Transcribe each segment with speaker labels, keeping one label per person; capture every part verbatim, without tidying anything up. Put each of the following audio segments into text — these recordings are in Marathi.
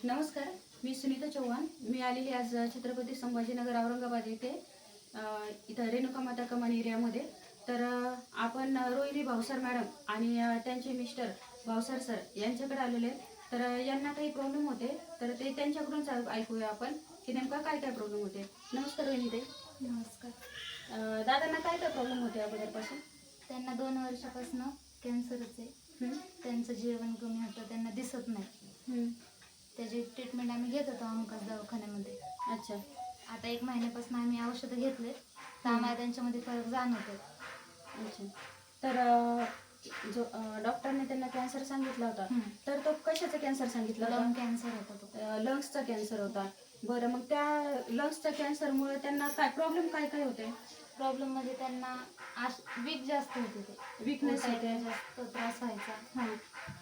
Speaker 1: नमस्कार, मी सुनीता चव्हाण. मी आलेली आज छत्रपती संभाजीनगर औरंगाबाद येथे इथं रेणुका माता कमान एरियामध्ये. तर आपण रोहिणी भावसर मॅडम आणि त्यांचे मिस्टर भावसर सर यांच्याकडे आलेले. तर यांना काही प्रॉब्लेम होते, तर ते त्यांच्याकडूनच ऐकूया आपण की नेमका काय काय प्रॉब्लेम होते. नमस्कार रोहिणीताई.
Speaker 2: नमस्कार.
Speaker 1: दादांना काय काय प्रॉब्लेम होते अगोदरपासून?
Speaker 2: त्यांना दोन वर्षापासून कॅन्सरच आहे. त्यांचं जेवण कमी होतं, त्यांना दिसत नाही. त्याची ट्रीटमेंट आम्ही घेत होतो आमकाच दवाखान्यामध्ये.
Speaker 1: अच्छा.
Speaker 2: आता एक महिन्यापासून आम्ही औषधं घेतले तर आम्हाला त्यांच्यामध्ये फरक जाणवतो.
Speaker 1: अच्छा. तर जो डॉक्टरने त्यांना कॅन्सर सांगितला होता, तर तो कशाचा कॅन्सर सांगितला होता?
Speaker 2: लंग कॅन्सर होता तो.
Speaker 1: लंग्सचा कॅन्सर होता. बरं, मग त्या लंग्सच्या कॅन्सरमुळे त्यांना काय प्रॉब्लेम काय काय होते?
Speaker 2: प्रॉब्लेम म्हणजे त्यांना वीक जास्त होते, ते
Speaker 1: विकनेस होते,
Speaker 2: जास्त त्रास व्हायचा.
Speaker 1: हां.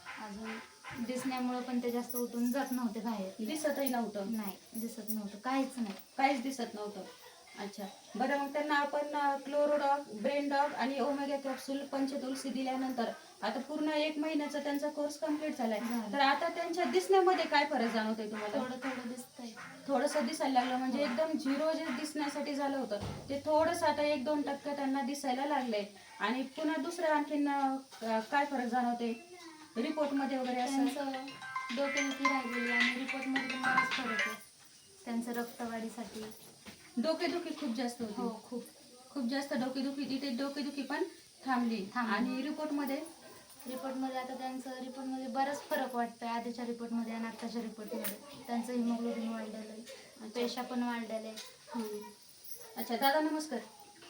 Speaker 2: अजून दिसण्यामुळे पण ते जास्त उठून जात नव्हते बाहेर.
Speaker 1: दिसतही नव्हतं?
Speaker 2: नाही, दिसत नव्हतं, काहीच नाही,
Speaker 1: काहीच दिसत नव्हतं. अच्छा. बरं, मग त्यांना आपण क्लोरोडॉग, ब्रेन डॉग आणि ओमेगा कॅप्सूल पंचतुलसी दिल्यानंतर आता पूर्ण एक महिन्याचा त्यांचा कोर्स कम्प्लीट झालाय. तर आता त्यांच्या दिसण्यामध्ये काय फरक जाणवतोय तुम्हाला?
Speaker 2: थोडं थोडं दिसतंय.
Speaker 1: थोडंसं दिसायला लागलं, म्हणजे एकदम झिरो जे दिसण्यासाठी झालं होतं ते थोडंसं आता एक दोन टक्के त्यांना दिसायला लागलंय. आणि पुन्हा दुसरं आणखीन काय फरक जाणवते रिपोर्टमध्ये वगैरे? असं
Speaker 2: त्यांचं डोकेदुखी राहिलेली आणि रिपोर्टमध्ये पण बराच फरक आहे. त्यांचं रक्तवाढीसाठी
Speaker 1: डोकेदुखी खूप जास्त होती.
Speaker 2: हो, खूप
Speaker 1: खूप जास्त डोकेदुखी. तिथे डोकेदुखी पण थांबली. आणि रिपोर्टमध्ये
Speaker 2: रिपोर्टमध्ये आता त्यांचं रिपोर्टमध्ये बराच फरक वाटतोय. आधीच्या रिपोर्टमध्ये आणि आत्ताच्या रिपोर्टमध्ये त्यांचं हिमोग्लोबिन वाढलेलं आहे, पेशा पण वाढलेल्या आहे.
Speaker 1: अच्छा. दादा नमस्कार.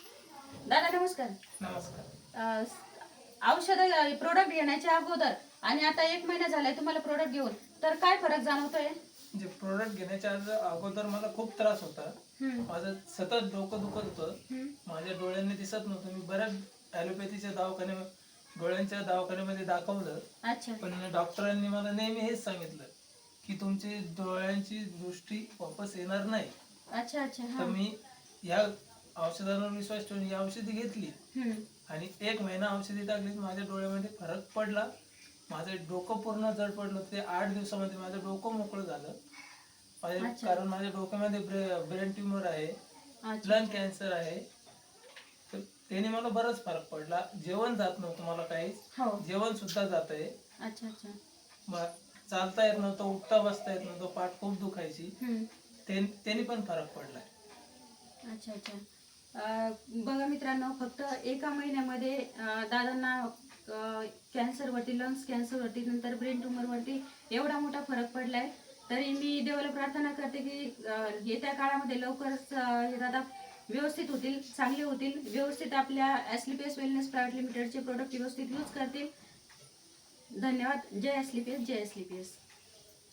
Speaker 1: दादा नमस्कार.
Speaker 3: नमस्कार.
Speaker 1: औषध प्रोडक्ट घेण्याच्या अगोदर आणि आता एक महिना झालाय तुम्हाला प्रोडक्ट घेऊन, तर काय फरक जाणवतोय?
Speaker 3: जे प्रोडक्ट घेण्याच्या अगोदर मला खूप त्रास होता. माझं सतत डोकं दुखत होतं, माझ्या डोळ्यांनी दिसत नव्हतं. मी बऱ्याच ॲलोपॅथीच्या दवाखाने डोळ्यांच्या दवाखान्यामध्ये दाखवलं.
Speaker 1: अच्छा.
Speaker 3: पण डॉक्टरांनी मला नेहमी हेच सांगितलं की तुमची डोळ्यांची दृष्टी वापस येणार नाही.
Speaker 1: अच्छा अच्छा.
Speaker 3: तर मी या औषधांवर विश्वास ठेवून ही औषधी घेतली आणि एक महिना औषधी टाकली, माझ्या डोळ्यामध्ये फरक पडला. माझं डोकं पूर्ण जड पडलं. ते आठ दिवसामध्ये माझं डोकं मोकळं झालं. माझे कारण माझ्या डोक्यामध्ये ब्रेन ट्यूमर आहे, लंग कॅन्सर आहे. तर त्याने मला बराच फरक पडला. जेवण जात नव्हतं मला काहीच, जेवण सुद्धा जात आहे.
Speaker 1: अच्छा अच्छा.
Speaker 3: चालता येत नव्हतं, उठता बसता येत नव्हतं, पाठ खूप दुखायची. त्यांनी पण फरक पडलाय.
Speaker 1: अच्छा अच्छा. बघा मित्रांनो, फक्त एका महिन्यामध्ये दादांना कॅन्सरवरती, लंग्स कॅन्सरवरती, नंतर ब्रेन ट्यूमरवरती एवढा मोठा फरक पडलाय. तरी मी देवाला प्रार्थना करते की येत्या काळामध्ये लवकरच हे दादा व्यवस्थित होतील, चांगले होतील, व्यवस्थित आपल्या एस्लीपीएस वेलनेस प्रायव्हेट लिमिटेडचे प्रोडक्ट व्यवस्थित यूज करतील. धन्यवाद. जय एस्लीपीएस, जय एस्लीपीएस.